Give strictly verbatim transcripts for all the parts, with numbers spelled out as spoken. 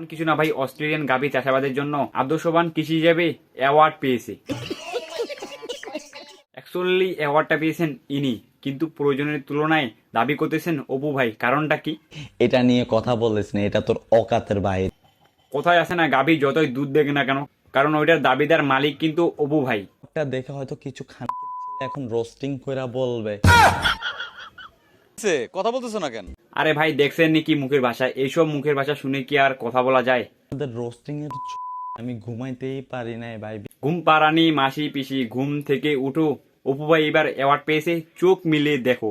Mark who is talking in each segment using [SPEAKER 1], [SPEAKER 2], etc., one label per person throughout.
[SPEAKER 1] এমন কিছু না ভাই, অস্ট্রেলিয়ান গাভী চাষাবাদের জন্য আদর্শবান কৃষি হিসেবে অ্যাওয়ার্ড পেয়েছে। অ্যাকচুয়ালি অ্যাওয়ার্ডটা পেয়েছেন ইনি, কিন্তু প্রয়োজনের তুলনায় দাবি করতেছেন অপু ভাই। কারণটা কি?
[SPEAKER 2] এটা নিয়ে কথা বলিস না, এটা তোর অকাতের বাইরে।
[SPEAKER 1] কোথায় আছে না, গাভী যতই দুধ দেখ না কেন, কারণ ওইটার দাবিদার মালিক কিন্তু অপু ভাই।
[SPEAKER 2] এটা দেখে হয়তো কিছু খান এখন রোস্টিং কইরা বলবে
[SPEAKER 3] কথা বলতেছো না কেন?
[SPEAKER 1] আরে ভাই দেখছেন নাকি মুখের ভাষা? এইসব মুখের ভাষা শুনে কি আর কথা বলা যায়?
[SPEAKER 2] আমাদের রোস্টিং এর চ- আমি ঘুমাইতেই পারি নাই ভাই।
[SPEAKER 1] ঘুম পাড়ানি মাসি পিসি, ঘুম থেকে উঠো। অপু ভাই এবার অ্যাওয়ার্ড পেয়েছে, চোখ মিলিয়ে দেখো।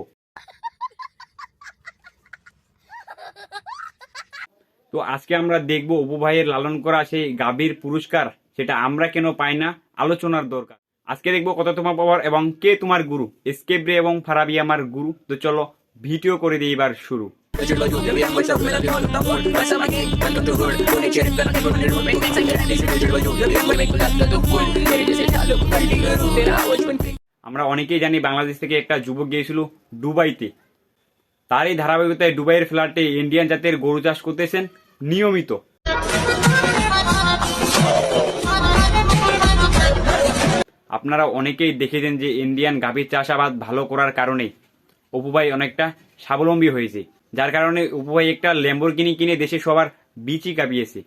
[SPEAKER 1] তো আজকে আমরা দেখবো অপু ভাইয়ের লালন করা সেই গাভীর পুরস্কার, সেটা আমরা কেন পাই না, আলোচনার দরকার। আজকে দেখবো কত তোমার পাওয়ার এবং কে তোমার গুরু। এসকেপ রে এবং ফারাবি আমার গুরু। তো চলো ভিডিও করে দিই এবার শুরু। আমরা অনেকেই জানি বাংলাদেশ থেকে একটা যুবক গিয়েছিল দুবাইতে। তার এই ধারাবাহিকতায় দুবাইয়ের ফ্ল্যাটে ইন্ডিয়ান জাতের গরু চাষ করতেছেন নিয়মিত। আপনারা অনেকেই দেখেছেন যে ইন্ডিয়ান গাভীর চাষাবাদ ভালো করার কারণে অপু ভাই অনেকটা স্বাবলম্বী হয়েছে, যার কারণে অপু ভাই একটা ল্যাম্বরগিনি কিনে দেশে সবার বিচি কাঁপিয়েছে।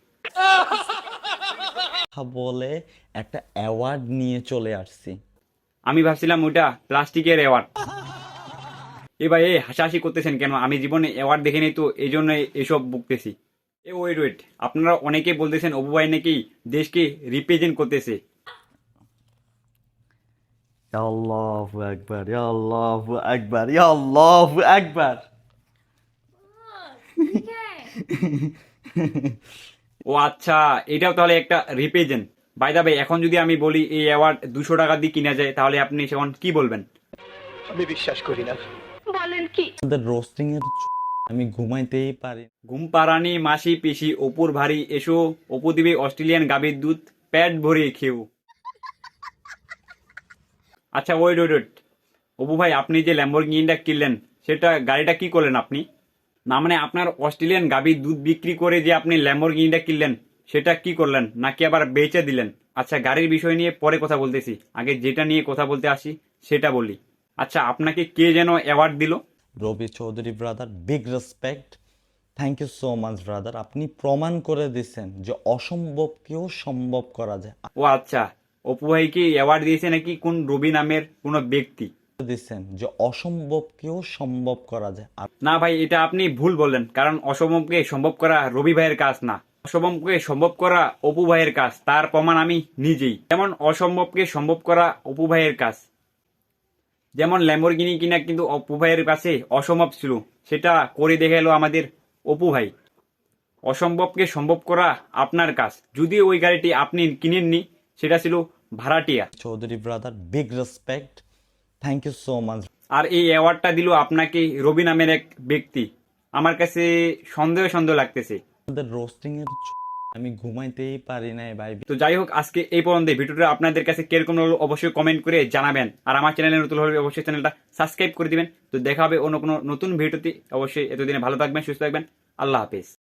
[SPEAKER 2] বলে একটা অ্যাওয়ার্ড নিয়ে চলে আসছি।
[SPEAKER 1] আমি ভাবছিলাম ওইটা প্লাস্টিকের অ্যাওয়ার্ড। এ ভাই এ হাসাহাসি করতেছেন কেন? আমি জীবনে অ্যাওয়ার্ড দেখিনি, তো এই জন্য এসব বকতেছি। এ ওয়েট ওয়েট, আপনারা অনেকে বলতেছেন অপু ভাই নাকি দেশকে রিপ্রেজেন্ট করতেছে।
[SPEAKER 2] আল্লাহু আকবার, আল্লাহু আকবার, আল্লাহু আকবার।
[SPEAKER 1] ও আচ্ছা, এটাও তাহলে একটা রিপ্রেজেন্ট। বাই দা ভাই, এখন যদি আমি বলি এই অ্যাওয়ার্ড দুশো টাকা দিয়ে কিনা যায়, তাহলে আপনি সেখন কি বলবেন?
[SPEAKER 4] আমি বিশ্বাস করি না।
[SPEAKER 2] আমাদের রোস্টিং এর চ- আমি ঘুমাইতেই পারি।
[SPEAKER 1] ঘুম পাড়ানি মাসি পিসি, অপুর ভারী এসো, অপু দিবে অস্ট্রেলিয়ান গাভীর দুধ, পেট ভরে খেও। আচ্ছা ওয়েট ওয়েট ওয়েট, অপু ভাই আপনি যে ল্যাম্বরগিনিটা কিনলেন, সেটা গাড়িটা কি করলেন আপনি? না মানে আপনার অস্ট্রেলিয়ান গাভীর দুধ বিক্রি করে যে আপনি ল্যাম্বরগিনিটা কিনলেন, সেটা কি করলেন, নাকি আবার বেচে দিলেন? আচ্ছা গাড়ির বিষয় নিয়ে পরে কথা বলতেছি, আগে যেটা নিয়ে কথা বলতে আসি সেটা বলি। আচ্ছা আপনাকে কে যেন অ্যাওয়ার্ড দিল?
[SPEAKER 2] Rabi Chowdhury brother, big respect, thank you so much brother. আপনি প্রমাণ করে দিচ্ছেন যে অসম্ভবকেও সম্ভব করা যায়।
[SPEAKER 1] ও আচ্ছা, অপু ভাইকে অ্যাওয়ার্ড দিয়েছে নাকি কোন রবি নামের কোনো ব্যক্তি?
[SPEAKER 2] দিচ্ছেন যে অসম্ভবকেও সম্ভব করা যায়। আর
[SPEAKER 1] না ভাই, এটা আপনি ভুল বললেন, কারণ অসম্ভবকে সম্ভব করা রবি ভাইয়ের কাজ না, অসম্ভবকে সম্ভব করা অপু ভাইয়ের কাজ। তার প্রমাণ আমি নিজেই। যেমন অসম্ভবকে সম্ভব করা অপু ভাইয়ের কাজ, যেমন ল্যাম্বরগিনি কিনা কিন্তু অপু ভাইয়ের কাছে অসম্ভব ছিল, সেটা করে দেখে এলো আমাদের অপু ভাই। অসম্ভবকে সম্ভব করা আপনার কাজ, যদিও ওই গাড়িটি আপনি কিনেননি, সেটা ছিল ভাড়াটিয়া।
[SPEAKER 2] Chowdhury brother, big respect, thank you so much.
[SPEAKER 1] আর এই অ্যাওয়ার্ডটা দিল আপনাকে রবি নামের এক ব্যক্তি। আমার কাছে সন্দেহ সন্দেহ লাগতেছে।
[SPEAKER 2] আমাদের রোস্টিং এর চ- আমি ঘুমাইতেই পারি নাই ভাই।
[SPEAKER 1] তো যাই হোক, আজকে এই পর্যন্ত। ভিডিওটা আপনাদের কাছে কিরকম হলো অবশ্যই কমেন্ট করে জানাবেন, আর আমার চ্যানেলে নতুন হলে অবশ্যই চ্যানেলটা সাবস্ক্রাইব করে দিবেন। তো দেখা হবে অন্য কোনো নতুন ভিডিওতে। অবশ্যই এতদিনে ভালো থাকবেন, সুস্থ থাকবেন। আল্লাহ হাফেজ।